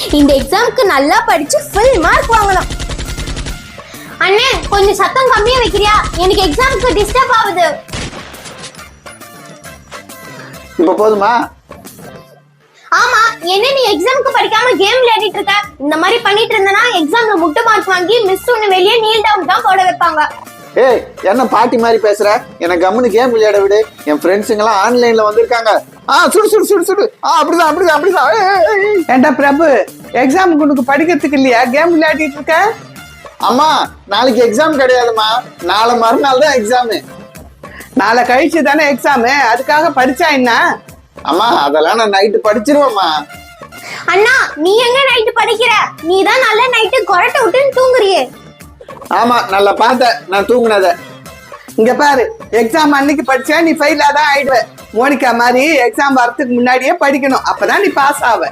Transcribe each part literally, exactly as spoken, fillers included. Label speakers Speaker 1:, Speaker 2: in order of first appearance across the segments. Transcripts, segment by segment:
Speaker 1: இந்த எக்ஸாம்க்கு நல்லா படிச்சு ஃபுல் மார்க் வாங்கணும். அண்ணே கொஞ்சம் சத்தம் கம்மியா வைக்கிறியா? எனக்கு எக்ஸாம்க்கு டிஸ்டர்ப் ஆகுது.
Speaker 2: இப்ப போதுமா?
Speaker 1: ஆமா, என்ன நீ எக்ஸாம்க்கு படிக்காம கேம் விளையாடிட்டு இருக்க? இந்த மாதிரி பண்ணிட்டு இருந்தனா எக்ஸாம்ல முட்டை மார்க் வாங்கி மிஸ் உன்னை வெளியே நீல் டவுன் தான் போட வைப்பாங்க.
Speaker 2: ஏய், என்ன பாட்டி மாதிரி பேசுற? எனக்கு கம்முனு கேம் விளையாட விடு. என் ஃப்ரெண்ட்ஸுங்க எல்லாம் ஆன்லைன்ல வந்திருக்காங்க. ஆ சுடு சுடு சுடு சுடு. ஆ அப்படிதான் அப்படிதான் அப்படிதான்.
Speaker 3: ஏண்டா பிரபு, எக்ஸாமுக்கு உனக்கு படிக்கிறதுக்கு இல்லையா கேம் விளையாடிட்டு இருக்க?
Speaker 2: அம்மா, நாளைக்கு எக்ஸாம் கிடையாதுமா, நாளை மறுநாள் தான் எக்ஸாமு.
Speaker 3: நாளை கழிச்சு தானே எக்ஸாமு, அதுக்காக படிச்சா என்ன?
Speaker 2: அம்மா, அதெல்லாம் நான் நைட்டு படிச்சிருவேம்மா.
Speaker 1: அண்ணா, நீ எங்க நைட்டு படிக்கிற? நீ தான் நல்ல நைட்டு கொரட்டை விட்டுன்னு தூங்குறியே.
Speaker 2: ஆமா, நல்லா பார்த்த நான் தூங்குனத.
Speaker 3: இங்க பாரு, எக்ஸாம் அன்னைக்கு படிச்சா நீ ஃபெயிலா தான் ஆயிடுவ. மோனிகா மாதிரி எக்ஸாம் வரதுக்கு முன்னாடியே படிக்கணும், அப்பதான் நீ பாஸ் ஆவ.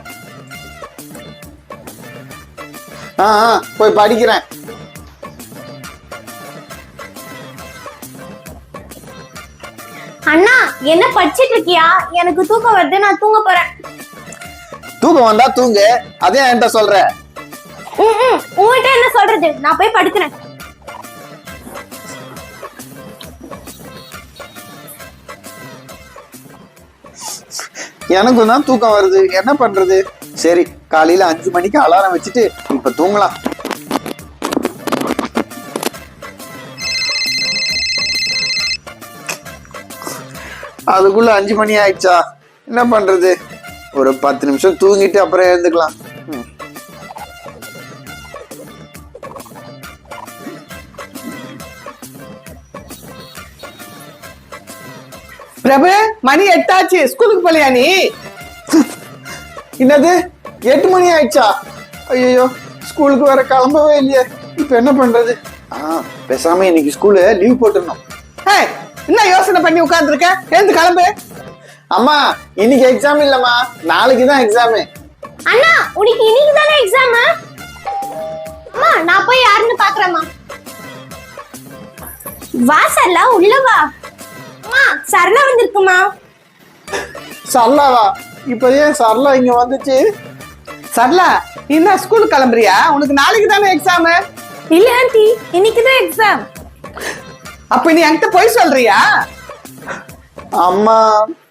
Speaker 2: ஆ போய் படிக்கிறேன்.
Speaker 1: அண்ணா, என்ன படிச்சிட்டு இருக்கியா? எனக்கு தூக்கம் வருது, நான் தூங்க போறேன்.
Speaker 2: தூக்கம் வந்தா தூங்கு, அதே என்கிட்ட சொல்ற.
Speaker 1: உங்ககிட்ட என்ன சொல்றது? நான் போய் படுக்கிறேன்.
Speaker 2: எனக்கும் தான் தூக்கம் வருது, என்ன பண்றது? சரி, காலையில அஞ்சு மணிக்கு அலாரம் வச்சுட்டு இப்ப தூங்கலாம். அதுக்குள்ள அஞ்சு மணி ஆயிடுச்சா? என்ன பண்றது? ஒரு பத்து நிமிஷம் தூங்கிட்டு அப்புறம் எழுந்துக்கலாம்.
Speaker 3: பிரபு, மணி எட்டாச்சு, ஸ்கூலுக்கு போலியா நீ?
Speaker 2: என்னது, எட்டு மணி ஆயிடுச்சா? ஐயோ, ஸ்கூலுக்கு வர கிளம்பவே இல்லையே, இப்ப என்ன பண்றது? ஆஹ் பேசாம இன்னைக்கு ஸ்கூலு லீவ் போட்டுருந்தோம்.
Speaker 3: என்ன யோசனை பண்ணி உட்கார்ந்து இருக்க? எழுந்து கிளம்பு.
Speaker 2: அம்மா, இன்னைக்கு எக்ஸாம் இல்லம்மா, நாளைக்கு தான் எக்ஸாமு.
Speaker 1: அண்ணா, உனக்கு இன்னைக்கு தானே எக்ஸாம்? அம்மா, நான் போய் யாருன்னு பாக்குறேம்மா. வா சரளா, உள்ள வா. அம்மா, சரளா வந்திருக்குமா?
Speaker 2: சரளாவா? இப்ப ஏன் சரளா இங்க வந்துச்சு?
Speaker 3: சரளா, நீ என்ன ஸ்கூலுக்கு கிளம்புறியா? உனக்கு நாளைக்கு தானே எக்ஸாம்.
Speaker 1: இல்ல ஆண்டி, இன்னைக்கு தான் எக்ஸாம்.
Speaker 3: அப்ப நீ என்கிட்ட போய் சொல்றியா?
Speaker 2: அம்மா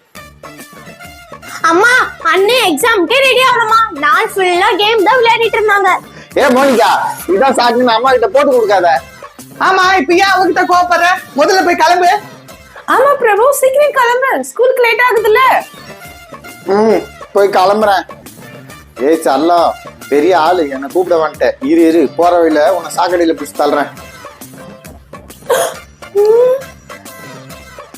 Speaker 1: அம்மா, அண்ணே எக்ஸாம்க்கே ரெடி ஆகணுமா? நான் ஃபுல்லா கேம் தான் விளையாடிட்டு இருந்தாங்க.
Speaker 2: ஏ மோனிகா, இதான் சாக்குன்னு அம்மா கிட்ட போட்டு கொடுக்காத.
Speaker 3: ஆமா, இப்ப ஏன் அவகிட்ட கோபப்படுற? முதல்ல போய் கிளம்பு. ஆமா பிரபு, சீக்கிரம் கிளம்பு, ஸ்கூலுக்கு லேட் ஆகுதுல்ல.
Speaker 2: ம் போய் கிளம்புறேன். ஏய் சரளா, பெரிய ஆளு, என்னை கூப்பிட வந்துட்டேன். இரு இரு, போற வழியில உன்னை சாக்கடையில பிடிச்சி தள்ளுறேன்.